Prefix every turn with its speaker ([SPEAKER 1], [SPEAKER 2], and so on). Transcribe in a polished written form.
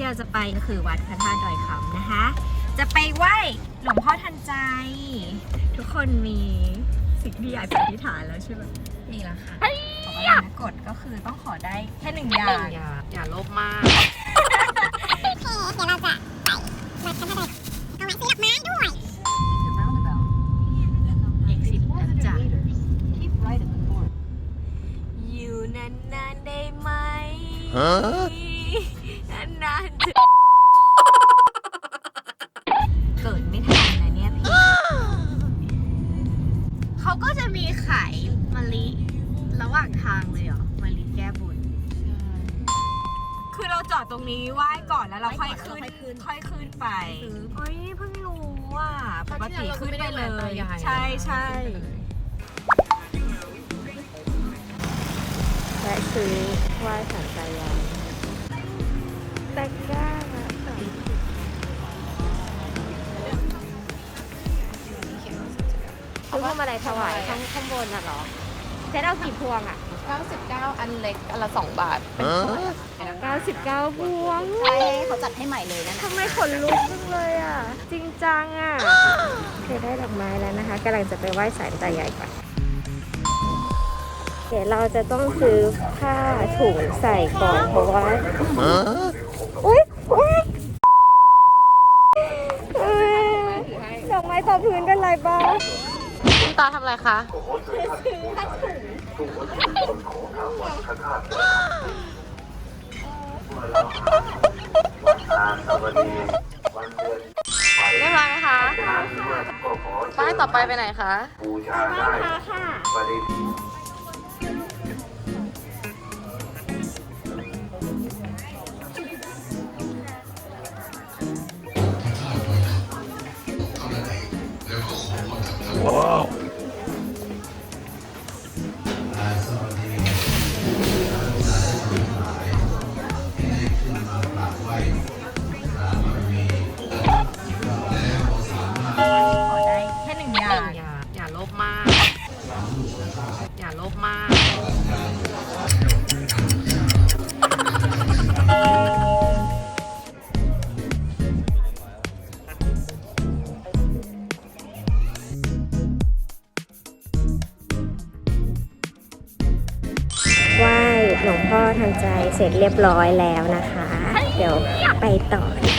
[SPEAKER 1] เราจะไปก็คือวัดพระธาตุดอยคำนะคะ จะไปไหว้หลวงพ่อทันใจ ทุกคนมีสิ่งที่อยากจะอธิษฐานแล้วใช่ไหม
[SPEAKER 2] นี่แหละค่ะ
[SPEAKER 1] ขอพรกฎก็คือต้องขอได้แค่หนึ่งอย่าง
[SPEAKER 2] อย่าโลภมาก
[SPEAKER 3] เดี๋ยวเราจะไปวัดพระธาตุเอาไว้ซื้อดอกไม้ด้วย
[SPEAKER 2] อีก10นะจ๊ะ
[SPEAKER 1] อยู่นานๆได้ไหมนานๆจะเกิดไม่ทันนะเนี่ยพี่เขาก็จะมีขายมะลิระหว่างทางเลยเหรอมะลิแก้บนคือเราจอดตรงนี้ไหว้ก่อนแล้วเราค่อยขึ้นไปเฮ้ยเพิ่งรู้ว่าปกติขึ้นไปเลย ใช่และซื้อไหว้สันใจยายแต่ก้าซื้อพวงมาลัยถวายข้างบนน่ะเหรอเจ๊เอากี่พวงอ่ะ
[SPEAKER 2] 99 อันเล็กอันละ2 บาท
[SPEAKER 1] 99พวง
[SPEAKER 3] ใช่เขาจัดให้ใหม่เลยนะ
[SPEAKER 1] ทำไมขนลุกจังเลยอ่ะ จริงจังอ่ะเคยได้ดอกไม้แล้วนะคะกำลังจะไปไหว้ศาลตายายก่อนเดี๋ยวเราจะต้องซื้อผ้าถุงใส่ก่อนเพราะว่าอุ๊ยดอกไม้ต่อพื้นเป็นไรบ้าง
[SPEAKER 2] คุณตาทำอะไรคะ เรียบร้อยไหมคะป้ายต่อไปไปไหนคะ
[SPEAKER 3] บูชาได้ค่ะ
[SPEAKER 1] ขอได้แค่หนึ่งอย่าง
[SPEAKER 2] อย่าโลภมาก อย่าโลภมาก
[SPEAKER 1] ไหว้หลวงพ่อทันใจเสร็จเรียบร้อยแล้วนะคะ เดี๋ยวไปต่อ